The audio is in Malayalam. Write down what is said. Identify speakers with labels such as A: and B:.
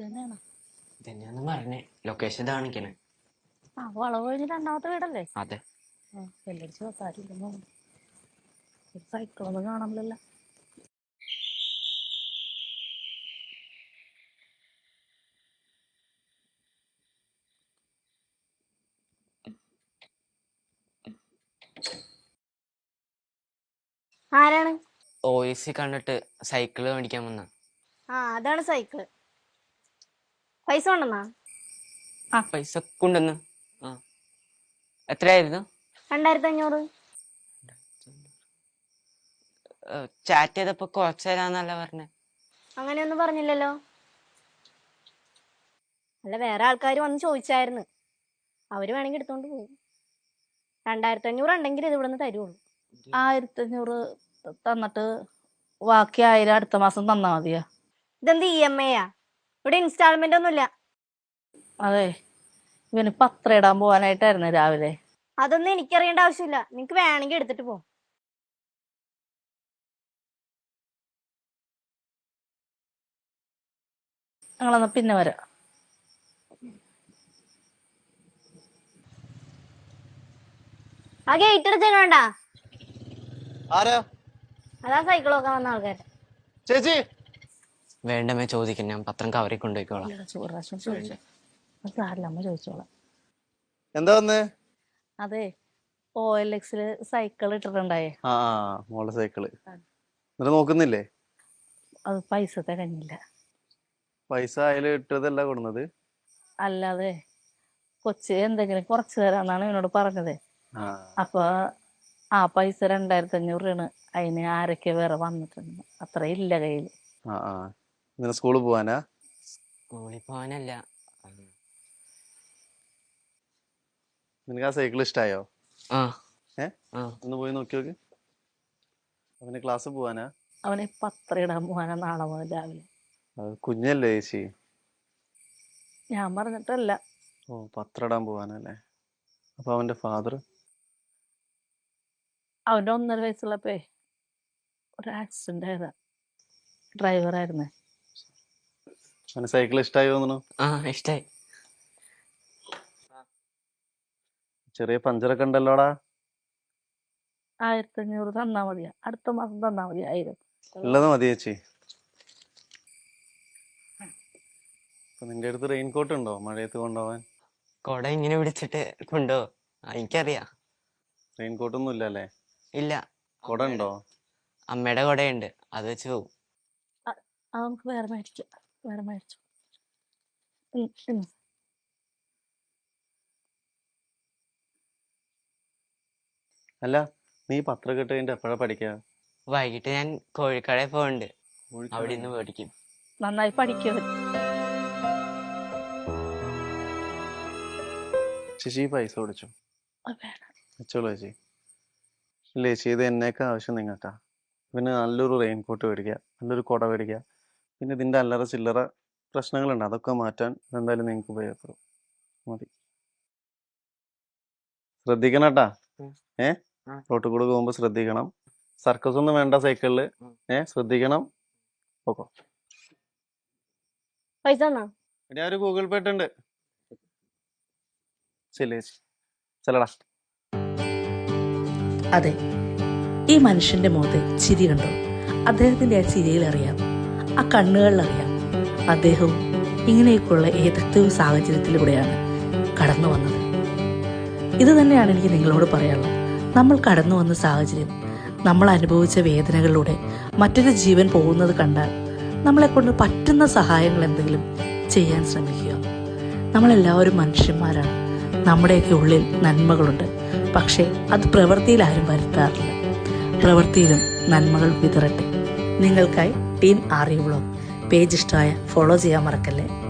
A: തന്നെയാണ്.
B: ഇതന്നെയാന്ന് പറഞ്ഞേ. ലൊക്കേഷൻ കാണിക്കണേ.
A: ആ വളവ് കഴിഞ്ഞ് രണ്ടാമത്തെ വീടല്ലേ?
B: അതെ.
A: വെല്ലടിച്ച് വെക്കാറില്ലെന്നോ ഒരു സൈക്കിളൊന്നും കാണാമല്ലോ.
C: ആരാണ്?
B: OAC കണ്ടിട്ട് സൈക്കിള് മേടിക്കാൻ വന്ന.
C: അതാണ് സൈക്കിള്. പൈസ കൊണ്ടെന്നാ?
B: പൈസ കൊണ്ടുവന്ന്. എത്രയായിരുന്നു?
C: 2500.
B: ചാറ്റ് ചെയ്തപ്പോ കുറച്ച് തരാന്നല്ല പറഞ്ഞേ.
C: അങ്ങനെയൊന്നും പറഞ്ഞില്ലല്ലോ. അല്ല, വേറെ ആൾക്കാർ വന്ന് ചോദിച്ചായിരുന്നു. അവര് വേണമെങ്കിൽ എടുത്തോണ്ട് പോകും. 2500 ഉണ്ടെങ്കിൽ ഇത് ഇവിടുന്ന് തരുള്ളൂ.
A: 1500 തന്നിട്ട് ബാക്കി 1000 അടുത്ത മാസം തന്നാ മതിയാ?
C: ഇതെന്ത് EMI യാ? ഇവിടെ ഇൻസ്റ്റാൾമെന്റ് ഒന്നുമില്ല.
A: അതെ, ഇവന് പത്രം ഇടാൻ പോവാനായിട്ടായിരുന്നു രാവിലെ.
C: അതൊന്നും എനിക്കറിയേണ്ട ആവശ്യമില്ല. നിങ്ങക്ക് വേണമെങ്കിൽ എടുത്തിട്ട് പോ.
A: ഞങ്ങളെന്നാ പിന്നെ വരാം.
C: ആ ഗേറ്റ് എടുത്തേക്കണ്ട.
D: ആരാ?
C: അതാ സൈക്കിൾ നോക്കാൻ വന്ന ആൾക്കാര്.
D: ചേച്ചി
B: വേണ്ടമേ ചോദിക്കും, ഞാൻ പത്രം കവറിൽ കൊണ്ടുപോയിക്കോളാം.
A: അമ്മ ചോദിച്ചോളാം.
D: എന്താ വന്നേ?
A: അതെ, OLX-ല് സൈക്കിൾ ഇട്ടിട്ടുണ്ടായേ.
D: മോളെ സൈക്കിള് എന്നിട്ട് നോക്കുന്നില്ലേ?
A: അത് പൈസ തികഞ്ഞില്ല.
D: പൈസ അതിൽ ഇട്ടതല്ല കൊടുന്നത്.
A: അല്ലാതെ കൊച്ച് എന്തെങ്കിലും കുറച്ച് തരാന്നാണ് എന്നോട് പറഞ്ഞത്. അപ്പൊ ആ പൈസ 2500 രൂപയാണ്. അതിന് ആരൊക്കെ വേറെ വന്നിട്ടുണ്ട്. അത്ര ഇല്ല കയ്യില്.
D: ഇങ്ങനെ സ്കൂളിൽ പോവാനാ?
B: സ്കൂളിൽ പോവാനല്ല.
D: നിനക്ക് ആ സൈക്കിൾ ഇഷ്ടായോ? ഒന്ന് പോയി നോക്കി നോക്ക്. അവന് ക്ലാസ് പോവാനാ?
A: അവന് പത്രം ഇടാൻ പോവാനാ നാളെ മുതൽ രാവിലെ.
D: കുഞ്ഞല്ലേ ചേച്ചി?
A: ഞാൻ പറഞ്ഞിട്ടല്ല.
D: പത്രം ഇടാൻ പോവാനല്ലേ? അപ്പൊ അവന്റെ ഫാദർ?
A: അവന്റെ 1.5 വയസ്സുള്ളപ്പോ ഒരു ആക്സിഡന്റ് ആയതാ. ഡ്രൈവറായിരുന്നേ.
D: അവന് സൈക്കിൾ ഇഷ്ടായി തോന്നുന്നു.
B: ഇഷ്ടായി.
D: ചെറിയ പഞ്ചറൊക്കെ ഉണ്ടല്ലോടാ.
A: 1500 തന്നാ മതിയാ? അടുത്ത മാസം തന്നാ മതി 1000.
D: ഉള്ളത് മതി ചേച്ചി. നിന്റെ അടുത്ത് റെയിൻകോട്ട് ഉണ്ടോ മഴയത്ത് കൊണ്ടുപോവാൻ?
B: കൊട ഇങ്ങനെ പിടിച്ചിട്ട് കൊണ്ടുപോ. എനിക്കറിയാം.
D: റെയിൻകോട്ടൊന്നും ഇല്ലല്ലേ?
B: ഇല്ല.
D: കൊട ഉണ്ടോ?
B: അമ്മയുടെ കൊടയുണ്ട്, അത് വെച്ച് പോവും.
A: നമുക്ക് വേറെ മേടിച്ചു.
D: അല്ല, നീ പത്രം കിട്ട് കഴിഞ്ഞിട്ട് എപ്പോഴാ പഠിക്കുക?
B: വൈകിട്ട് ഞാൻ കോഴിക്കടയിൽ പോകണ്ട്. അവിടെ നിന്ന് മേടിക്കും.
A: നന്നായി പഠിക്കും.
D: ചേച്ചി പൈസ ഓടിച്ചോ? വെച്ചോളൂ ചേച്ചി. ഇല്ല ചേച്ചി, ഇത് എന്നേക്കാ ആവശ്യം നിങ്ങൾക്കാ. പിന്നെ നല്ലൊരു റെയിൻകോട്ട് മേടിക്കുക, നല്ലൊരു കുട മേടിക്കുക. പിന്നെ ഇതിന്റെ അല്ലറ ചില്ലറ പ്രശ്നങ്ങളുണ്ട്, അതൊക്കെ മാറ്റാൻ എന്തായാലും നിങ്ങൾക്ക് ഉപയോഗപ്പെടും. മതി. ശ്രദ്ധിക്കണം കേട്ടാ. റോട്ടിൽ കൂടെ പോകുമ്പോ ശ്രദ്ധിക്കണം. സർക്കസ് ഒന്നും വേണ്ട സൈക്കിളില്. ശ്രദ്ധിക്കണം. ഓക്കോ.
C: പൈസ തന്നാ?
D: ഇനി ഒരു ഗൂഗിൾ പേ ഉണ്ട്. ശരി ചേച്ചി, ചെല്ലടാ.
E: അതെ, ഈ മനുഷ്യന്റെ മുഖത്ത് ചിരി കണ്ടോ? അദ്ദേഹത്തിന്റെ ആ ചിരിയിൽ അറിയാം, ആ കണ്ണുകളിൽ അറിയാം, അദ്ദേഹവും ഇങ്ങനെയൊക്കെയുള്ള ഏതൊക്കെ സാഹചര്യത്തിലൂടെയാണ് കടന്നു വന്നത്. ഇത് തന്നെയാണ് എനിക്ക് നിങ്ങളോട് പറയാനുള്ളത്. നമ്മൾ കടന്നു വന്ന സാഹചര്യം, നമ്മൾ അനുഭവിച്ച വേദനകളിലൂടെ മറ്റൊരു ജീവൻ പോകുന്നത് കണ്ടാൽ നമ്മളെ കൊണ്ട് പറ്റുന്ന സഹായങ്ങൾ എന്തെങ്കിലും ചെയ്യാൻ ശ്രമിക്കുക. നമ്മളെല്ലാവരും മനുഷ്യന്മാരാണ്. നമ്മുടെയൊക്കെ ഉള്ളിൽ നന്മകളുണ്ട്. പക്ഷേ അത് പ്രവൃത്തിയിൽ ആരും വരുത്താറില്ല. പ്രവൃത്തിയിലും നന്മകൾ വിതറട്ടെ. നിങ്ങൾക്കായി ടീം RE വ്ളോഗ് പേജ് ഇഷ്ടമായ ഫോളോ ചെയ്യാൻ മറക്കല്ലേ.